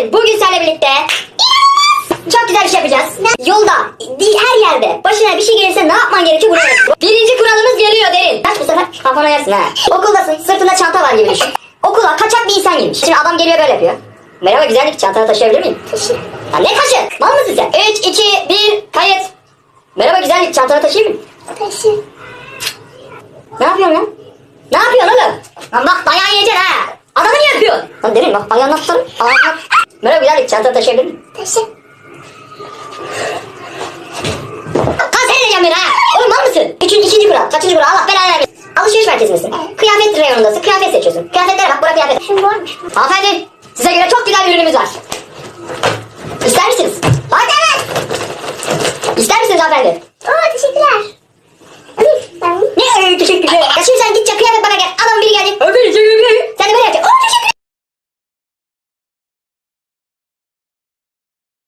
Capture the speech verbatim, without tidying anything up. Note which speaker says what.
Speaker 1: derin. Bugün seninle birlikte çok güzel bir şey yapacağız. Ne? Yolda, her yerde başına bir şey gelirse ne yapman gerekiyor bunu öğret. Birinci kuralımız geliyor derin. Kaç bu sefer kafana yersin ha. Okuldasın, sırtında çanta var gibi düşün. Okula kaçak bir insan girmiş. Şimdi adam geliyor böyle yapıyor. Merhaba güzellik, çantanı taşıyabilir miyim? Taşı. Ya ne taşı? Mal mısın sen? üç, iki, bir, kayıt. Merhaba güzellik, çantanı taşıyayım mı?
Speaker 2: Taşı.
Speaker 1: Ne yapıyorsun lan? Ne yapıyorsun oğlum? Lan bak dayağı yiyeceksin ha. Adamı niye yapıyorsun? Lan derin bak ayağını tutarım. Ayağını. Merhaba güzellik, çantanı taşıyabilir miyim?
Speaker 2: Taşı.
Speaker 1: Kan sen edeceğim beni ha. Oğlum mal mısın? Üçüncü, ikinci kural. Kaçıncı kural? Allah belanı vermesin. Alışveriş merkezindesin. Evet. Kıyafet reyonundasın. Kıyafet seçiyorsun. Kıyafetlere bak, bura kıyafet.
Speaker 2: Şimdi varmış.
Speaker 1: Hanımefendi, size göre çok güzel bir ürünümüz var. İster misiniz? Hadi evet. İster misiniz hanımefendi?
Speaker 2: Oo teşekkürler. Alayım ben bunu.
Speaker 1: Ne öyle teşekkürler. Ya şimdi sen gideceksin kıyafet bana gel. Adamın biri geldi. Öbürü Sen de böyle yapacaksın.